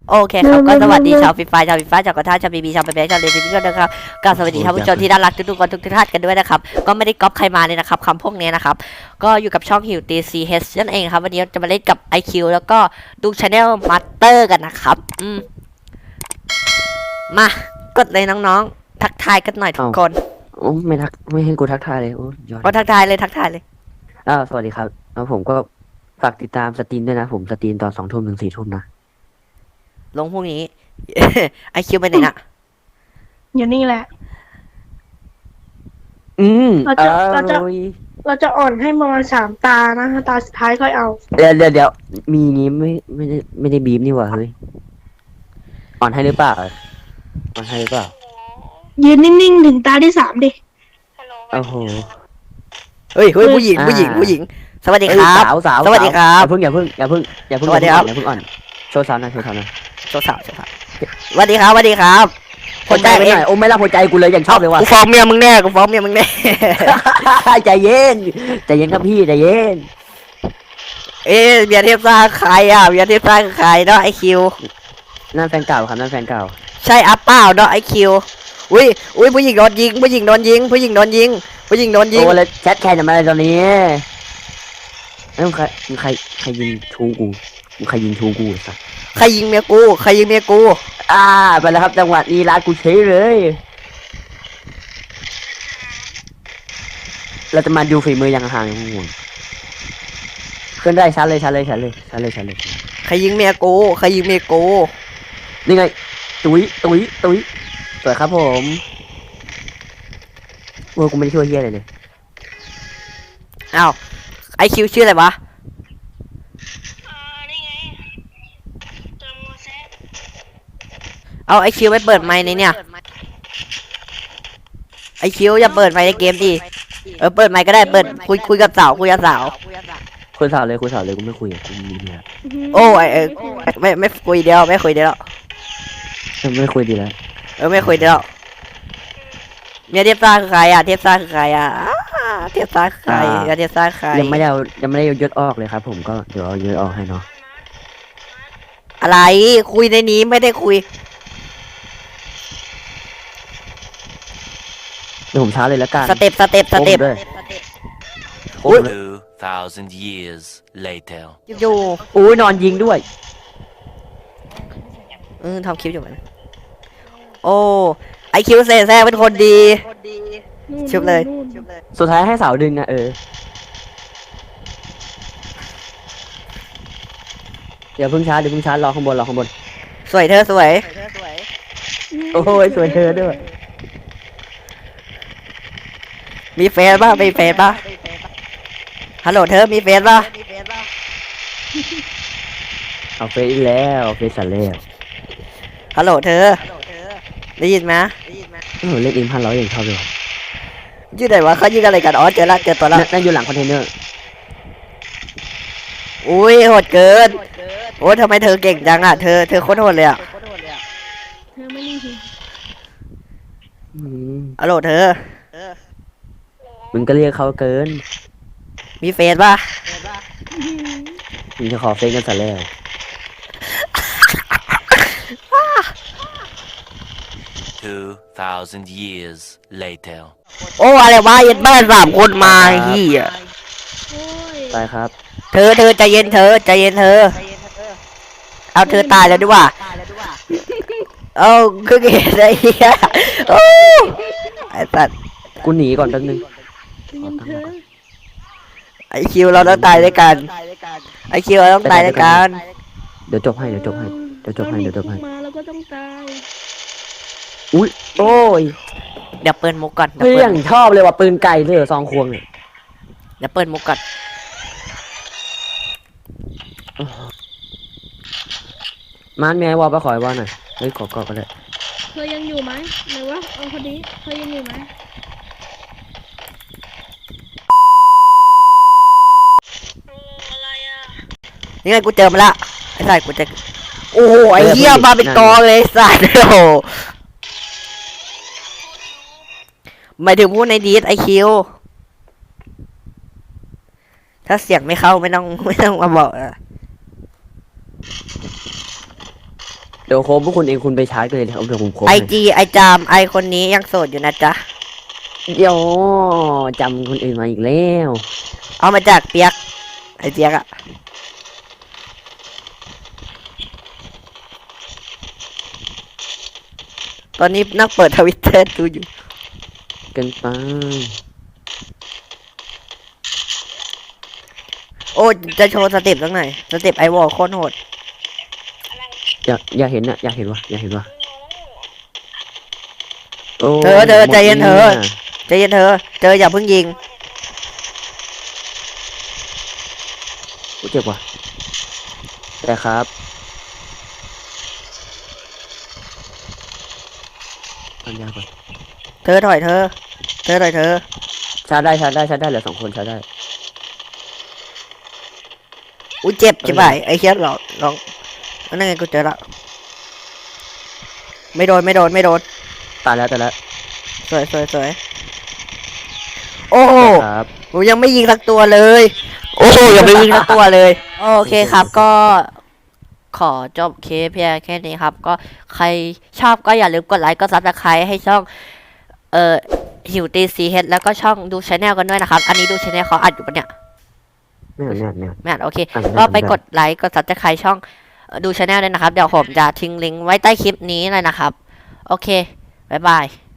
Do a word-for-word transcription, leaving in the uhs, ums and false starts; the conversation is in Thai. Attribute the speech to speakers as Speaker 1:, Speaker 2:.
Speaker 1: โอเคครับก็สวัสดีชาวฟีฟ่าชาวฟีฟ่าชาวกระทะชาวบีบีชาวเบเบชาวเลนทุกคนนะครับก็สวัสดีท่านผู้ชมที่น่ารักทุกๆคนทุกท่านกันด้วยนะครับก็ไม่ได้ก๊อปใครมาเลยนะครับคำพวกนี้นะครับก็อยู่กับช่องหิวตีซีเฮนั่นเองครับวันนี้จะมาเล่นกับ ไอ คิว แล้วก็ดูชาแนลมาสเตอร์กันนะครับอืมมากดเลยน้องๆทักทายกันหน่อยทุกคน
Speaker 2: โอ้ไม่ทักไม่ให้กูทักทายเลยโอ้ยอด
Speaker 1: ก็ทักทายเลยทักทายเลย
Speaker 2: อ้าวสวัสดีครับแล้วผมก็ฝากติดตามสตรีมด้วยนะผมสตรีมตอนสองทุ่มถึงสี่ทุ่มนะ
Speaker 1: ลงพวกนี้ ไอ คิว ไปไหนน่ะ
Speaker 3: อยู่นี่แหละ
Speaker 2: อืม
Speaker 3: เราจะเราจะ
Speaker 2: ออย
Speaker 3: เราจะอ่อนให้ประมาณสามตานะตาสุดท้ายค่อยเอา
Speaker 2: เดี๋ยวเดี๋ยวเดี๋ยวมีงี้ไม่ไม่ได้ไม่ได้บีบนี่หว่าเฮ้ยอ่อนให้หรือเปล่าอ่อนให้หรือเปล่า
Speaker 3: ยืนนิ่งๆถึงตาที่สามดิ
Speaker 2: โอ้โห
Speaker 1: เฮ้ยเฮ้ยผู้หญิง
Speaker 2: อ่า
Speaker 1: ผู้หญิงผู้หญิงสวัสดีค
Speaker 2: เอ้ย
Speaker 1: รับ
Speaker 2: สาวสาว
Speaker 1: สวัสดีครับ
Speaker 2: อย่าเพิ่งอย่าเพิ่งอย่าเพิ่งอย่าเพิ่ง
Speaker 1: สวัสดีครับ
Speaker 2: อย่าเพิ่งอ่อนโชว์สาวหน่อยโชว์สาวหน่อย
Speaker 1: โชว์สาวโชว์สาวสวัสดีครับสวัสดีครับ
Speaker 2: หัวใจไปหน่อยโอ้ไม่รับหัวใจกูเลยอย่างชอบเลยว่ะ
Speaker 1: กูฟ้องเมียมึงแน่กูฟ้องเมียมึงแน่
Speaker 2: ใจเย็นใจเย็นครับพี่ใจเย็น
Speaker 1: เอ๊ะเบียร์เทพซ่าใครอ่ะเบียร์เทพซ่าคือใครเนาะไอคิว
Speaker 2: นั่นแฟนเก่าครับนั่นแฟนเก่า
Speaker 1: ใช่อัปเปล่าเนาะไอคิวอุ้ยอุ้ยผู้หญิงโดนยิงผู้หญิงโดนยิงผู้หญิงโดนยิงผู้หญิงโดนยิง
Speaker 2: โอ้แล้วแชทแคร์จะมาอะไรตอนนี้เอ้ยมึงใครมึงใครใครยิงชูกูมึงใครยิงชูกูสัส
Speaker 1: ใครยิงเมียกูใครยิงเมียกู
Speaker 2: อ่าไปแล้วครับจังหวะนี้ร้านกูเฉยเลย เราจะมาดูฝีมืออย่างห่างๆห่วงขึ้นได้ชัดเลยชัดเลยชัดเลยชัดเลยชัดเลย
Speaker 1: ใครยิงเมียกูใครยิงเมียกู
Speaker 2: นี่ไงตุ้ยตุ้ยตุ้ยสวยครับผมโอ้ยกูไม่ได้ช่วยเฮียอะไรเลย
Speaker 1: อ้าวไอคิวชื่ออะไรวะ
Speaker 3: นี่ไงเติมโมเสส
Speaker 1: เอาไอคิวไปเปิดไมค์ในเนี่ยไอคิวอย่าเปิดไมค์ในเกมดิเออเปิดไมค์ก็ได้เปิดคุยคุยกับสาวคุยกับสาว
Speaker 2: คุยสาวเลยคุยสาวเลยกูไม่คุยกับกูมีเมีย
Speaker 1: โอ้ไอเออไม่ไม่คุยเดียวไม่คุยเดียว
Speaker 2: เออไม่คุยดีแล้ว
Speaker 1: เออไม่คุยเดียวเมียเทพซ่าคือใครอ่ะเทพซ่าคือใครอ่ะอ้าเทพซ่าคือใครเมียเทพซ่าคือใคร
Speaker 2: ยังไม่ได้เอายังไม่ได้เอายศออกเลยครับ ผมก็เดี๋ยวเอายศออกให้เนาะ
Speaker 1: อะไรคุยในนี้ไม่ได้คุย
Speaker 2: เดี๋ยวผมช้าเลยแล้วกัน
Speaker 1: สเต็ปสเต็ปสเต็ป
Speaker 2: โอ้ผมด้วย
Speaker 1: อุ๊ย
Speaker 4: Two thousand years later.
Speaker 1: อยู่
Speaker 2: อุ้ยนอนยิงด้วย
Speaker 1: เออทำคลิปอยู่มันโอ้ไอคิวเซ่แซ่เป็นคนดี ชุบเลย
Speaker 2: สุดท้ายให้สาวดึงนะเออเดี๋ยวเพิ่งช้าเดี๋ยวเพิ่งช้ารอข้างบนรอข้างบน
Speaker 1: สวยเธอสวย
Speaker 2: โอ้ยสวยเธอด้วย
Speaker 1: มีเฟซป่ะมีเฟซป่ะฮัลโหลเธอมีเฟซป่ะ
Speaker 2: เอาเฟซอีกแล้วเอาเฟซสันแล้ว
Speaker 1: ฮัลโหลเธอได้ยินไหม
Speaker 2: โอ้โหเล่นอินพันร้อยอย่างชอบเลย
Speaker 1: ยืดไหนวะเขายืดอะไรกันอ๋อเจอละเจอตัวละ
Speaker 2: นั่นนั่นอยู่หลังคอนเทนเนอร์
Speaker 1: อุ้ยโหดเกินโอ้ยทำไมเธอเก่งจังอ่ะเธอเธอโคตรโหดเลยอ่ะ
Speaker 3: เธอไม่รีบ
Speaker 2: อืม
Speaker 1: ฮัลโหลเธอ
Speaker 2: มึงก็เรียกเขาเกิน
Speaker 1: มีเฟซป่ะ
Speaker 2: มึงจะขอเฟซกันสันแล้ว
Speaker 4: Two thousand years later.
Speaker 1: โอ้อะไรวะเย็นบ้านสามคนมาเฮีย
Speaker 3: โอ้ย
Speaker 2: ไปครับ
Speaker 1: เธอเธอใจเย็นเธอใจเย็นเธอเอาเธอตายแล้วด้วยว่ะเอาคือเกศไอ้เหี้ยโอ้ไอ้สัตว์
Speaker 2: กูหนีก่อนแป๊บนึง
Speaker 3: เตรียมเธอ
Speaker 1: ไอคิวเราต้องตายด้วยกันไอคิวเราต้องตายด้วยกัน
Speaker 2: เดี๋ยวจบให้เดี๋ยวจบให้เดี๋ยวจบให้เดี๋ยวจบให้
Speaker 3: มาแล้วก็ต้องตาย
Speaker 2: อุ้ยโอ้ย
Speaker 1: เดี๋ยวเปิดมุกก่อนเดี๋ยว
Speaker 2: เพื่
Speaker 1: เปิ
Speaker 2: อ
Speaker 1: ด
Speaker 2: นชอบเลยว่ะปืนไก่เลยเหรอซองควงเนี่ย
Speaker 1: เดี๋ยวเปิดมุกก่อน
Speaker 2: มันมีไอ้วอลไปขอไอ้วอลหน่อยเฮ้ยขอกอดก็ได้
Speaker 3: เธอยังอยู่ไหมไหนวะเอาคนนี้เธอยังอยู่ไหม
Speaker 1: นี่ไงกูเจอมาละไอ้สัตว์กูจะโอ้โหไอ้เหี้ยมาเป็นกองเลยไอ้สัตว์โอ้โหหมายถึงพูดในดีสไอคิวถ้าเสียงไม่เข้าไม่ต้องไม่ต้องมาบอกอะ
Speaker 2: เดี๋ยวโคบพวกคุณเองคุณไปชาร์จกันเลยเดี๋ยวเดี๋ยวผมโคบ
Speaker 1: ไอ
Speaker 2: ให้
Speaker 1: จีไอจามไอคนนี้ยังโสดอยู่นะจ๊ะ
Speaker 2: เดี๋ยวจำคนอื่นมาอีกแล้ว
Speaker 1: เอามาจากเปียก ไอเปียกอะตอนนี้นั่งเปิดทวิตเตอร์ดูอยู่
Speaker 2: เกันไป
Speaker 1: โอ้จะโชว์สเต็ปสักหน่อยสเต็ปไอวอลโคตรโหด
Speaker 2: อยากอยากเห็นอะอยากเห็นวะอยากเห็นวะโอ้
Speaker 1: เธอเธอ
Speaker 2: หมด
Speaker 1: ใจเย็นเธอ
Speaker 2: นี่ะ
Speaker 1: ใจเย็นเธอ เจออย่าเพิ่งยิง
Speaker 2: โอ้เจ็บว่ะแต่ครับปัญญาก่อน
Speaker 1: เธอถอยเธอ เธอถอยเธอ
Speaker 2: ชาร์จได้ชาร์จได้ชาร์จได้เหลือสองคนชาร์จได้
Speaker 1: อุ้ยเจ็บใช่ไหมไอ้เคียลองลองนั่นไงกูเจอละไม่โดนไม่โดนไม่โดน
Speaker 2: ตายแล้วตายแล้ว
Speaker 1: สวยสวยสวยโอ้โห
Speaker 2: ครับ
Speaker 1: กูยังไม่ยิงสักตัวเลย โอ้โหยังไม่ยิงสักตัวเลย โอเคครับก็ขอจบเคสเพียงแค่นี้ครับ ก็ใครชอบก็อย่าลืมกดไลค์ก็ซับสไครต์ให้ช่องเอ่อหิวตีซีเฮดแล้วก็ช่องดูชาแนลกันด้วยนะครับ อันนี้ดูชาแนลเขาอัดอยู่ปะเนี่ย
Speaker 2: ไม่เอาไม่เอาไม่เอา
Speaker 1: ไม่อัดโอเค
Speaker 2: อ่ะได้
Speaker 1: ก็ไป
Speaker 2: ได้
Speaker 1: กดไลค์กดซับสไครต์ช่องเอ่อดูชาแนลด้วยนะครับ เดี๋ยวผมจะทิ้งลิงก์ไว้ใต้คลิปนี้เลยนะครับ โอเค บ๊ายบาย